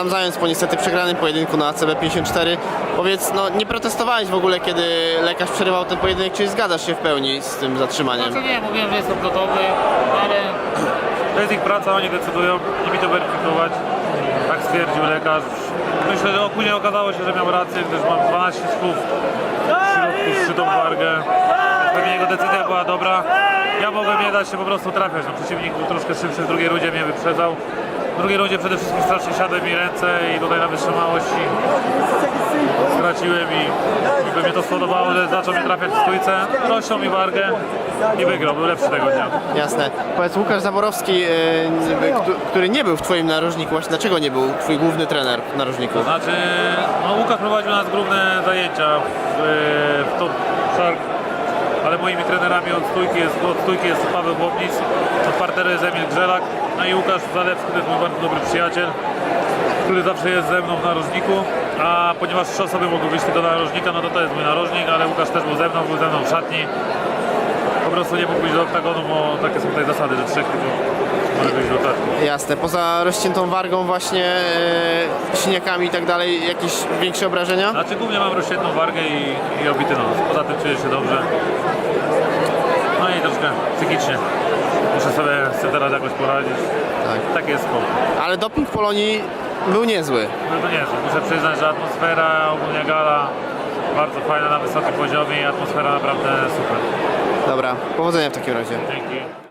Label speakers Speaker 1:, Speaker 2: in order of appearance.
Speaker 1: Adam Zając po niestety przegranym pojedynku na ACB 54. Powiedz, no nie protestowałeś w ogóle, kiedy lekarz przerywał ten pojedynek, czy zgadzasz się w pełni z tym zatrzymaniem?
Speaker 2: Znaczy nie, mówiłem, że jestem gotowy, ale
Speaker 3: To jest ich praca, oni decydują, nie mi to weryfikować. Tak stwierdził lekarz. Myślę, że później okazało się, że miał rację, gdyż mam 12 sków w środku z szczytą wargę. Więc pewnie jego decyzja była dobra. Ja mogłem nie dać się po prostu trafiać. No, przeciwnik był troszkę szybszy, w drugiej rundzie mnie wyprzedzał. W drugiej rundzie przede wszystkim strasznie siadły mi ręce i tutaj na wytrzymałości straciłem i by mnie to spodobało, że zaczął mnie trafiać w stójce. Rościł mi wargę i wygrał, był lepszy tego dnia.
Speaker 1: Jasne. Powiedz, Łukasz Zaborowski, który nie był w twoim narożniku, właśnie dlaczego nie był twój główny trener w narożniku?
Speaker 3: Znaczy, no Łukasz prowadził nas główne zajęcia w Top Shark, ale moimi trenerami od stójki jest Paweł Bobnis, od parteru jest Emil Grzelak, no i Łukasz Zalewski, to jest mój bardzo dobry przyjaciel, który zawsze jest ze mną w narożniku, a ponieważ 3 osoby mogły wyjść tylko do narożnika, no to jest mój narożnik, ale Łukasz też był ze mną w szatni. Po prostu nie mógł być do oktagonu, bo takie są tutaj zasady, że 3 tylko może wyjść do oktagonu.
Speaker 1: Jasne. Poza rozciętą wargą właśnie, siniakami i tak dalej, jakieś większe obrażenia?
Speaker 3: Znaczy głównie mam rozsiedną wargę i obity nos. Poza tym czuję się dobrze. No i troszkę psychicznie. Muszę sobie z tym teraz jakoś poradzić. Tak jest spoko.
Speaker 1: Ale doping Polonii był niezły.
Speaker 3: No to nie jest. Muszę przyznać, że atmosfera, ogólnie gala bardzo fajna na wysokim poziomie i atmosfera naprawdę super.
Speaker 1: Dobra, powodzenia w takim razie.
Speaker 3: Dzięki.